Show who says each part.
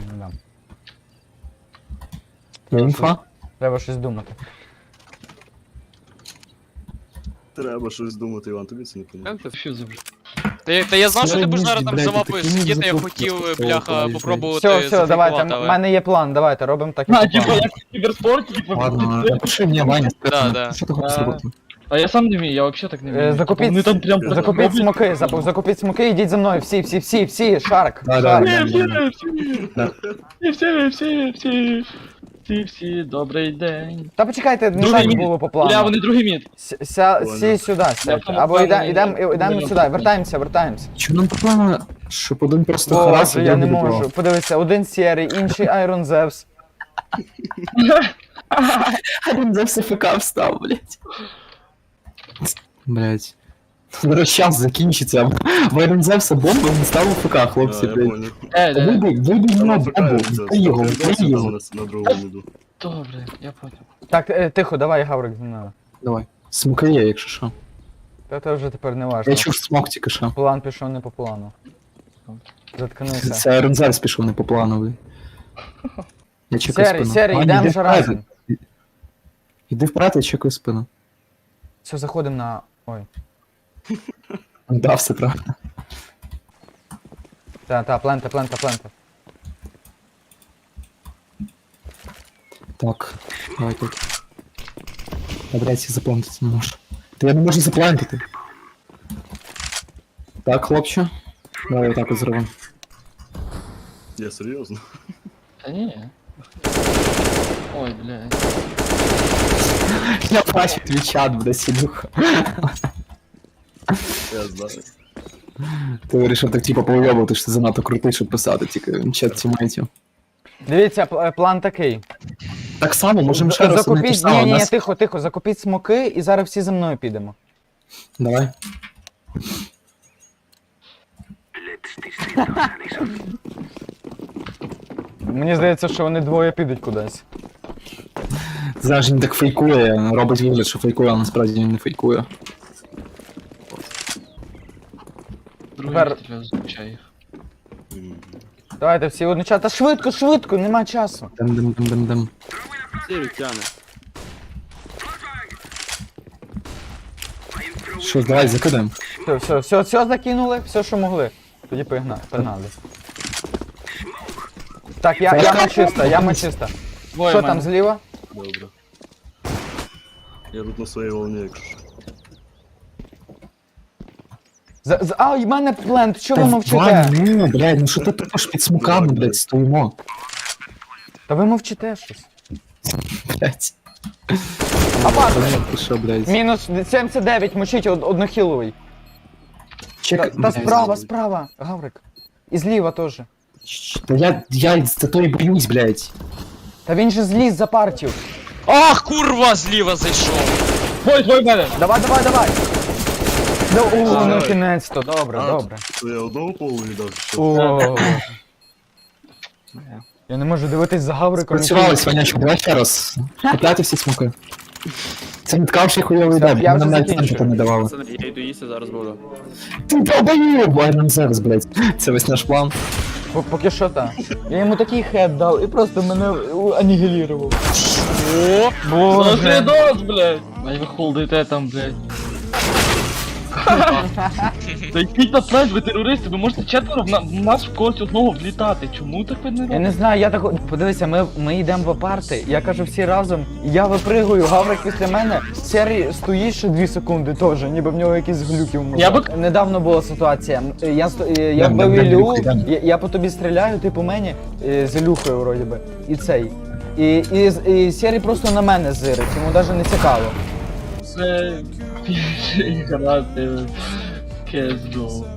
Speaker 1: не дам.
Speaker 2: Інфа?
Speaker 1: Треба щось думати.
Speaker 3: Треба щось думати, Іван, тобі це не поможе.
Speaker 4: Що за вже? Та я знав, що ти будеш зараз там за мапою сидіти, я хотів, бляха, попробувати
Speaker 1: Все, давайте,
Speaker 4: зафікувати,
Speaker 1: в мене є план, давайте, робимо так,
Speaker 5: А,
Speaker 1: як по
Speaker 5: типа,
Speaker 1: плану.
Speaker 5: як в кіберспорті, типа.
Speaker 2: Ладно, напиши мені, Ваня,
Speaker 4: Да.
Speaker 2: що ти хочеш зробити?
Speaker 5: А я сам не вмію, я вообще так не вмію.
Speaker 1: Закупіть,
Speaker 5: Вони там прям
Speaker 1: закупіть смоки, закупіть смоки, йдіть за мною, всі, шарк,
Speaker 2: Да,
Speaker 1: шарк.
Speaker 5: Всі, добрий день.
Speaker 1: Та почекайте, не
Speaker 5: Другий
Speaker 1: так
Speaker 5: мід.
Speaker 1: було по
Speaker 5: Бля,
Speaker 1: плану.
Speaker 5: вони другий мід.
Speaker 1: Сі сюди, сядьте.
Speaker 5: тому
Speaker 1: Або
Speaker 5: плану
Speaker 1: йдемо
Speaker 5: не-
Speaker 1: сюди, вертаємося.
Speaker 2: Чому нам проблема, щоб один просто
Speaker 1: Боже,
Speaker 2: харасив,
Speaker 1: я не
Speaker 2: другий
Speaker 1: можу.
Speaker 2: добивав?
Speaker 1: Подивися, один сірий, інший Iron Zeus.
Speaker 2: Один за все ФК встав, блядь. Блядь. Зараз час закінчиться. Вайрон Зевса бомба не став у ФК, хлопці,
Speaker 3: Я
Speaker 2: блядь.
Speaker 3: понял.
Speaker 2: Вибий на
Speaker 3: Вона
Speaker 2: бомбу,
Speaker 3: втикається,
Speaker 2: вбий його, вбий
Speaker 3: втикається
Speaker 2: його.
Speaker 3: на другому міду.
Speaker 5: Добре, я понял.
Speaker 1: Так, тихо, давай, Гаврик, зі мною.
Speaker 2: Давай. Смоки є, якщо що.
Speaker 1: Та це вже тепер не важно.
Speaker 2: Я чув смок тільки що.
Speaker 1: План пішов не по плану. Заткнися.
Speaker 2: Це Айрон Зевс пішов не по плану, блядь. Я чекаю
Speaker 1: Сірий,
Speaker 2: спину.
Speaker 1: сірий,
Speaker 2: Ваня,
Speaker 1: йдемо
Speaker 2: іди
Speaker 1: вже
Speaker 2: вперед.
Speaker 1: разом.
Speaker 2: Іди вперед, я чекаю спину.
Speaker 1: Все, заходимо на... Ой.
Speaker 2: Да, все правильно.
Speaker 1: Та, плента.
Speaker 2: Так, давай тут. Я, блядь, їх заплантити не можу. Та я не можу заплантити. Так, хлопче. Давай отак от зробимо.
Speaker 3: Я серйозно?
Speaker 5: Та ні. Ой, блядь.
Speaker 2: Я бачу твій чат, буде сідуха.
Speaker 3: Я знаю.
Speaker 2: Ти вирішив так типу повйобувати, що ти занадто крутий, щоб писати, тільки чат тімейтів.
Speaker 1: Дивіться, план такий.
Speaker 2: Так само, можемо ще раз не те
Speaker 1: Закупіть,
Speaker 2: саме.
Speaker 1: ні,
Speaker 2: Нас...
Speaker 1: тихо, закупіть смоки і зараз всі за мною підемо.
Speaker 2: Давай.
Speaker 1: Мені здається, що вони двоє підуть кудись.
Speaker 2: Зараз він так фейкує, робить вигляд, що фейкує, а насправді він не фейкує.
Speaker 5: Другий
Speaker 1: Тепер-
Speaker 5: мід, звичай їх.
Speaker 1: Давайте всі одночасно. Та швидко, нема часу.
Speaker 2: Дем.
Speaker 3: Сірий тяне.
Speaker 2: Що, давай, закидаємо.
Speaker 1: Все закинули, все, що могли. Тоді погнали. Так, яма чиста.
Speaker 5: Двоє
Speaker 1: Що
Speaker 5: в мене.
Speaker 1: там зліва?
Speaker 3: Добре. Я тут на своїй волні, якщо що.
Speaker 1: А, в мене плент, що ви
Speaker 2: Вань,
Speaker 1: мовчите?
Speaker 2: ну, блядь, ну що ти тупиш під смоками, блядь, стоїмо.
Speaker 1: Та ви мовчите щось.
Speaker 2: Блядь.
Speaker 1: А бак,
Speaker 2: Ти що, блядь?
Speaker 1: мінус 79, мочіть однохіловий.
Speaker 2: Чекай,
Speaker 1: Та
Speaker 2: блядь.
Speaker 1: справа, Гаврик. І зліва теж.
Speaker 2: Та я за то і боюсь, блядь.
Speaker 1: Та він же зліз за партію.
Speaker 4: Ах, курва, зліва зайшов.
Speaker 5: Твой в мене!
Speaker 1: Давай. О, ну
Speaker 3: Давай.
Speaker 1: кінець-то, добре.
Speaker 3: То я одного полу віддав, що?
Speaker 1: О. Я не можу дивитись за Гавриком.
Speaker 2: Працювали, Ванячок, давай ще раз. Купляти всі смоки. Це не ткав ще хуйовий
Speaker 1: Все,
Speaker 2: деб,
Speaker 1: я
Speaker 2: нам
Speaker 1: вже
Speaker 2: навіть
Speaker 1: закінчую.
Speaker 2: центр не давали.
Speaker 6: Пацани, я йду їсти, зараз буду.
Speaker 2: Ти долбоєб, Айрон Зевс, блядь. Це весь наш план.
Speaker 1: Поки що так. Я йому такий хед дав і просто мене анігілірував.
Speaker 4: О,
Speaker 1: Боже.
Speaker 5: Дос, блядь! Ай, ви холдите там, блядь. Та йдіть на плент, ви терористи, ви можете четверо в нас в когось одного влітати. Чому так ви не
Speaker 1: Я
Speaker 5: робите?
Speaker 1: не знаю, я так. Подивися, ми йдемо в апарти, я кажу всі разом, я випригую, Гаврик після мене, Сері стоїть ще 2 секунди теж, ніби в нього якісь глюки в мозку.
Speaker 5: Я би-
Speaker 1: Недавно була ситуація. Я
Speaker 2: Дам,
Speaker 1: вбив
Speaker 2: дам,
Speaker 1: Ілю,
Speaker 2: дам.
Speaker 1: я по тобі стріляю, ти по мені з Ілюхою вроді би. І цей. І Сері просто на мене зирить, йому навіть не цікаво.
Speaker 5: Це... грати в CSGO.